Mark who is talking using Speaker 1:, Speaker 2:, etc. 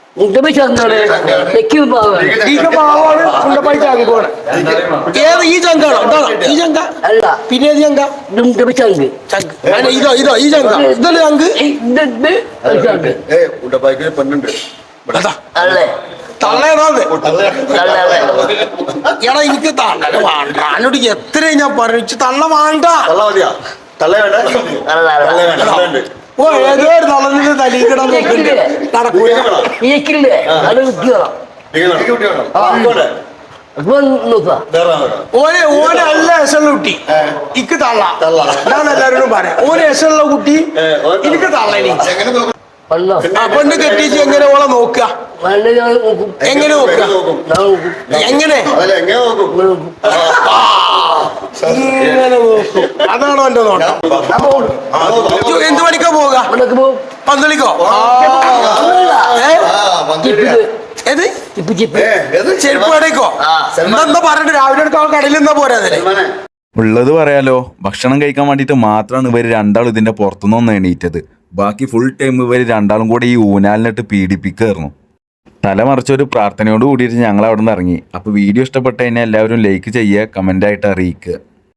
Speaker 1: ഏത് ഈ ചങ്കാണോ? ഈ ചങ്ക അല്ല, പിന്നെ ചങ്ക ഇതോ ഇതോ ഈ ചങ്ക ഇതല്ലേ ചങ്ക്
Speaker 2: പെണ്ണുണ്ട്
Speaker 1: തള്ളേതാന്ന് എടാ എനിക്ക് തള്ളല വേണ്ട. എന്നോട് എത്ര ഞാൻ പറഞ്ഞു തള്ള വേണ്ട. ഓ ഏതോ ഒരു തളന്നിട്ട് തലീക്കിടാൻ നടക്കൂല. ഓനെ ഓനെ അല്ല എസുള്ള കുട്ടി ഇക്ക് തള്ള. ഞാൻ എല്ലാവരോടും പറയാം ഓനെ എസുള്ള കുട്ടി എനിക്ക് തള്ളനി. പെണ്ണ് കെട്ടിച്ച് എങ്ങനെ ഓളെ നോക്കുക? എങ്ങനെ നോക്കുക? എങ്ങനെ ഇങ്ങനെ നോക്കും. അതാണോ എന്റെ നോട്ടം? എന്ത് പണിക്കാ പോവുക? പന്തളിക്കോ? ഏത് ചെരുപ്പ് കടയ്ക്കോ? എന്താ പറഞ്ഞിട്ട് രാവിലെ എടുക്കാൻ കടയിൽ നിന്നാ പോരാ?
Speaker 3: ഉള്ളത് പറയാലോ, ഭക്ഷണം കഴിക്കാൻ വേണ്ടിയിട്ട് മാത്രമാണ് ഇവർ രണ്ടാളും ഇതിന്റെ പുറത്തുനിന്ന് എണീറ്റത്. ബാക്കി ഫുൾ ടൈം ഇവർ രണ്ടാളും കൂടെ ഈ ഊനാലിനിട്ട് പീഡിപ്പിക്കായിരുന്നു. തലമറിച്ചൊരു പ്രാർത്ഥനയോട് കൂടിയിട്ട് ഞങ്ങൾ അവിടെ നിന്ന് ഇറങ്ങി. അപ്പോൾ വീഡിയോ ഇഷ്ടപ്പെട്ട് കഴിഞ്ഞാൽ എല്ലാവരും ലൈക്ക് ചെയ്യുക, കമൻ്റായിട്ട് അറിയിക്കുക.